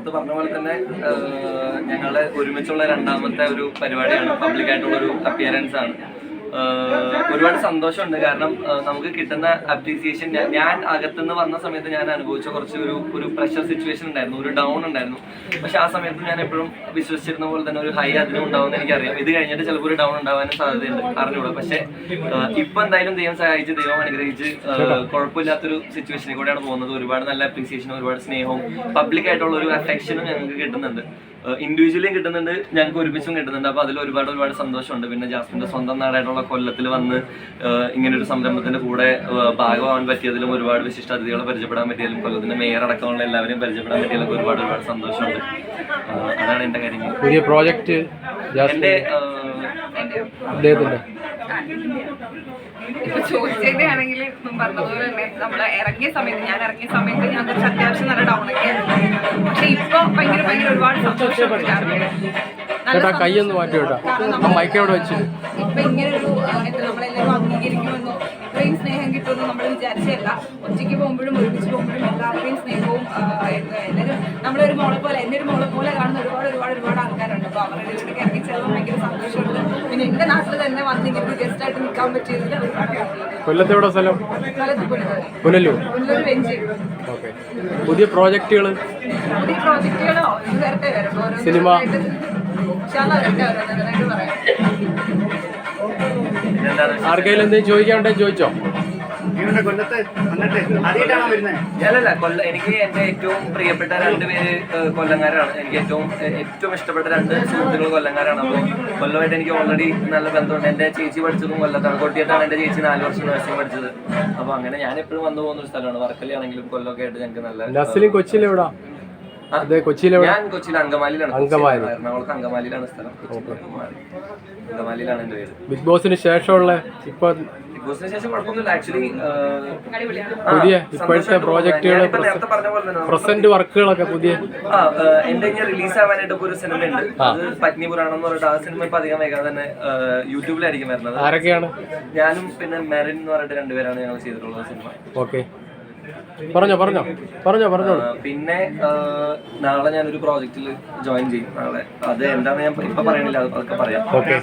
നേരത്തെ പറഞ്ഞ പോലെ തന്നെ ഞങ്ങളുടെ ഒരുമിച്ചുള്ള രണ്ടാമത്തെ ഒരു പരിപാടിയാണ്, പബ്ലിക്കായിട്ടുള്ള ഒരു അപ്പിയറൻസ് ആണ്. ഒരുപാട് സന്തോഷമുണ്ട്. കാരണം നമുക്ക് കിട്ടുന്ന അപ്രീസിയേഷൻ, ഞാൻ അകത്തുനിന്ന് വന്ന സമയത്ത് ഞാൻ അനുഭവിച്ച കുറച്ച് ഒരു പ്രഷർ സിറ്റുവേഷൻ ഉണ്ടായിരുന്നു, ഒരു ഡൗൺ ഉണ്ടായിരുന്നു. പക്ഷെ ആ സമയത്ത് ഞാൻ എപ്പോഴും വിശ്വസിച്ചിരുന്ന പോലെ തന്നെ ഒരു ഹൈ അതിനും ഉണ്ടാവുമെന്ന് എനിക്കറിയാം. ഇത് കഴിഞ്ഞിട്ട് ചിലപ്പോൾ ഒരു ഡൗൺ ഉണ്ടാവാനും സാധ്യതയുണ്ട്, അറിഞ്ഞൂടാ. പക്ഷെ ഇപ്പൊ എന്തായാലും ദൈവം സഹായിച്ച്, ദൈവം അനുഗ്രഹിച്ച് കുഴപ്പമില്ലാത്തൊരു സിറ്റുവേഷനിൽ കൂടെയാണ് പോകുന്നത്. ഒരുപാട് നല്ല അപ്രീസിയേഷനും ഒരുപാട് സ്നേഹവും പബ്ലിക് ആയിട്ടുള്ള ഒരു അഫെക്ഷനും ഞങ്ങൾക്ക് കിട്ടുന്നുണ്ട്. ഇൻഡിവിജ്വലിയും കിട്ടുന്നുണ്ട്, ഞങ്ങൾക്ക് ഒരുമിച്ചും കിട്ടുന്നുണ്ട്. അപ്പോൾ അതിൽ ഒരുപാട് സന്തോഷമുണ്ട്. പിന്നെ ജാസ്മിൻ്റെ സ്വന്തം നാടായിട്ടുള്ള കൊല്ലത്തിൽ വന്ന് ഇങ്ങനൊരു സംരംഭത്തിന്റെ കൂടെ ഭാഗമാകാൻ പറ്റിയതിലും, ഒരുപാട് വിശിഷ്ട അതിഥികളെ പരിചയപ്പെടാൻ പറ്റിയതിലും, കൊല്ലത്തിന്റെ മേയർ അടക്കമുള്ള എല്ലാവരെയും പരിചയപ്പെടാൻ പറ്റിയതിലൊക്കെ ഒരുപാട് സന്തോഷമുണ്ട്. അതാണ് എന്റെ കാര്യങ്ങൾ. പുതിയ പ്രോജക്റ്റ് എന്റെ ഇപ്പൊ ചോദിച്ചതിന്റെ ആണെങ്കിൽ പറഞ്ഞതുപോലെ തന്നെ നമ്മള് ഇറങ്ങിയ സമയത്ത് ഞാൻ കുറച്ച് അത്യാവശ്യം നല്ല ഡൗൺ ഒക്കെ ആയിരുന്നു. പക്ഷെ ഇപ്പൊ ഭയങ്കര ഒരുപാട് സന്തോഷമുണ്ട്. കൈയൊന്ന് മാറ്റി വിട്ടാ മൈക്കോട് വെച്ച് ഇപ്പൊ ഇങ്ങനൊരു നമ്മളെല്ലാവരും അംഗീകരിക്കുമെന്നോ ഇത്രയും സ്നേഹം കിട്ടുമെന്ന് നമ്മൾ വിചാരിച്ചല്ല. ഒറ്റയ്ക്ക് പോകുമ്പോഴും ഒരുമിച്ച് പോകുമ്പോഴും എല്ലാവരുടെയും സ്നേഹവും എല്ലാവരും നമ്മളൊരു മോളെ പോലെ, എന്നെ ഒരു മോളെ പോലെ കാണുന്ന ഒരുപാട് ആൾക്കാരുണ്ട്. അപ്പൊ അവരുടെ വീട്ടിലേക്ക് ഇറങ്ങി ചെല്ലാൻ ഭയങ്കര സന്തോഷമുണ്ട്. പിന്നെ എന്റെ നാട്ടിൽ തന്നെ വന്നിങ്ങനെ ഗസ്റ്റ് ആയിട്ട് നിൽക്കാൻ പറ്റിയതിൽ ഒരുപാട് കൊല്ലത്തെവിടെ സ്ഥലം? പുനലൂർ വെഞ്ച്. ഓക്കെ. പുതിയ പ്രോജക്റ്റുകളോ നേരത്തെ വരും സിനിമ ആർക്കെങ്കിലും എന്തെങ്കിലും ചോദിക്കാനുണ്ടെങ്കിൽ ചോദിച്ചോ. അല്ലല്ല, എനിക്ക് എന്റെ ഏറ്റവും പ്രിയപ്പെട്ട രണ്ടുപേര് കൊല്ലങ്കാരാണ്. എനിക്ക് ഏറ്റവും ഇഷ്ടപ്പെട്ട രണ്ട് സുഹൃത്തുക്കൾ കൊല്ലങ്കാരാണ്. അപ്പോൾ കൊല്ലമായിട്ട് എനിക്ക് ഓൾറെഡി നല്ല ബന്ധമുണ്ട്. എന്റെ ചേച്ചി പഠിച്ചതും കൊല്ലത്താണ്, കൊട്ടിയത്താണ് എന്റെ ചേച്ചി 4 വർഷം നഴ്സിംഗ് പഠിച്ചത്. അപ്പൊ അങ്ങനെ ഞാൻ എപ്പോഴും വന്നു പോകുന്ന ഒരു സ്ഥലമാണ്. വർക്കലയാണെങ്കിലും കൊല്ലമൊക്കെ ആയിട്ട് ഞങ്ങൾക്ക് നല്ല കൊച്ചിയിലെവിടാ? ഞാൻ കൊച്ചിയിൽ അങ്കമാലിയിലാണ്. എറണാകുളത്ത് അങ്കമാലിയിലാണ് സ്ഥലം. അങ്കമാലിയിലാണ് എന്റെ പേര്. ബിഗ് ബോസിന് ശേഷമുള്ള ഇപ്പൊ ബിഗ് ബോസിന് ശേഷം കുഴപ്പമൊന്നുമില്ല. ആക്ച്വലി പുതിയ ഇപ്പോഴത്തെ പ്രോജക്റ്റുകൾ, പ്രസന്റ് വർക്കുകളൊക്കെ പുതിയ എന്റെ ഇങ്ങനെ റിലീസ് ആവാനായിട്ട് ഇപ്പൊ ഒരു സിനിമ ഉണ്ട്. അത് പത്നി പുരാണം എന്ന് പറഞ്ഞിട്ട് ആ സിനിമ ഇപ്പൊ അധികം വൈകാതെ തന്നെ യൂട്യൂബിലായിരിക്കും വരുന്നത്. ആരൊക്കെയാണ്? ഞാനും പിന്നെ മെറിൻ എന്ന് പറഞ്ഞിട്ട് രണ്ടുപേരാണ് ഞങ്ങൾ ചെയ്തിട്ടുള്ളത് സിനിമ. ഓക്കെ, പറഞ്ഞോ. പിന്നെ നാളെ ഞാനൊരു പ്രോജക്റ്റിൽ ജോയിൻ ചെയ്യും നാളെ. അത് എന്താണെന്ന് ഞാൻ ഇപ്പൊ പറയണില്ല, അതൊക്കെ പറയാം.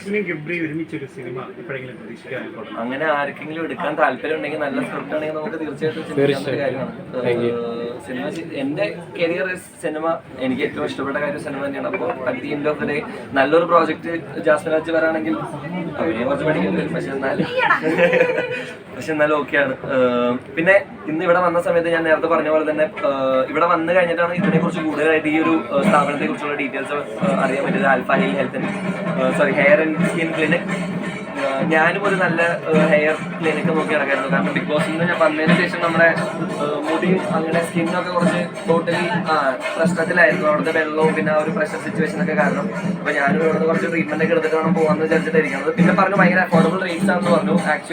അങ്ങനെ ആർക്കെങ്കിലും എടുക്കാൻ താല്പര്യം ഉണ്ടെങ്കിൽ, നല്ല സ്ക്രിപ്റ്റ് ആണെങ്കിൽ നമുക്ക് തീർച്ചയായിട്ടും ചിന്തിക്കാവുന്ന കാര്യമാണ്. സിനിമ എന്റെ കരിയർ സിനിമ, എനിക്ക് ഏറ്റവും ഇഷ്ടപ്പെട്ട കാര്യം സിനിമ തന്നെയാണ്. അപ്പോൾ at the end of the day നല്ലൊരു പ്രോജക്റ്റ് ജാസ്മിൻ രാജ് വരാണെങ്കിൽ അവരെയും കുറച്ച് പഠിക്കേണ്ടി വരും. പക്ഷെ എന്നാലും ഓക്കെയാണ്. പിന്നെ ഇന്ന് ഇവിടെ വന്ന സമയത്ത് ഞാൻ നേരത്തെ പറഞ്ഞ പോലെ തന്നെ ഇവിടെ വന്നു കഴിഞ്ഞിട്ടാണ് ഇതിനെക്കുറിച്ച് കൂടുതലായിട്ട് ഈ ഒരു സ്ഥാപനത്തെ കുറിച്ചുള്ള ഡീറ്റെയിൽസ് അറിയാൻ പറ്റിയത്. Alpha hair and skin clinic. ഞാനും ഒരു നല്ല ഹെയർ ക്ലിനിക്ക് നോക്കി നടക്കായിരുന്നു. കാരണം ബിഗ് ബോസിൽ നിന്ന് ഞാൻ വന്നതിന് ശേഷം നമ്മുടെ മുടിയും അങ്ങനെ സ്കിന്നൊക്കെ കുറച്ച് ടോട്ടലി പ്രശ്നത്തിലായിരുന്നു. അവിടുത്തെ വെള്ളവും പിന്നെ ആ ഒരു പ്രഷർ സിറ്റുവേഷനൊക്കെ കാരണം. അപ്പോൾ ഞാനും ഇവിടുന്ന് കുറച്ച് ട്രീറ്റ്മെന്റ് ഒക്കെ എടുത്തിട്ട് വേണം പോകാമെന്ന് വിചാരിച്ചിട്ടായിരിക്കുന്നത്. പിന്നെ പറഞ്ഞു ഭയങ്കര അഫോർഡബിൾ റേറ്റ്സ് ആണെന്ന് പറഞ്ഞു. ആക്ച്വലി